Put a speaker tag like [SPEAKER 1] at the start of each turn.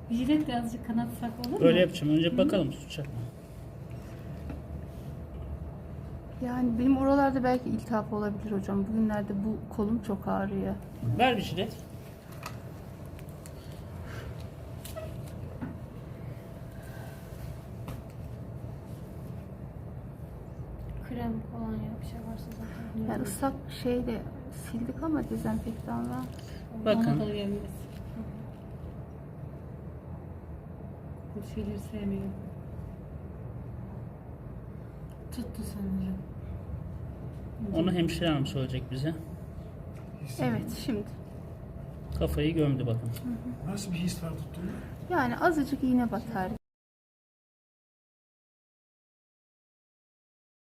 [SPEAKER 1] Jiletle azıcık kanatsak olur mu?
[SPEAKER 2] Böyle yapacağım. Önce bakalım tutacak mı?
[SPEAKER 3] Yani benim oralarda belki iltihap olabilir hocam. Bugünlerde bu kolum çok ağrıyor.
[SPEAKER 2] Ver bir jilet.
[SPEAKER 1] Krem kolonya bir şey varsa zaten.
[SPEAKER 3] Yani ıslak şeyle sildik ama dezenfektanla.
[SPEAKER 2] Bakın.
[SPEAKER 1] Ona da uyabiliriz. Bu şeyleri sevmiyorum. Tuttu sanırım.
[SPEAKER 2] Onu hemşire hanım söyleyecek bize.
[SPEAKER 3] Evet şimdi.
[SPEAKER 2] Kafayı gömdü bakın.
[SPEAKER 4] Nasıl bir his var tuttuğunda?
[SPEAKER 3] Yani azıcık iğne batar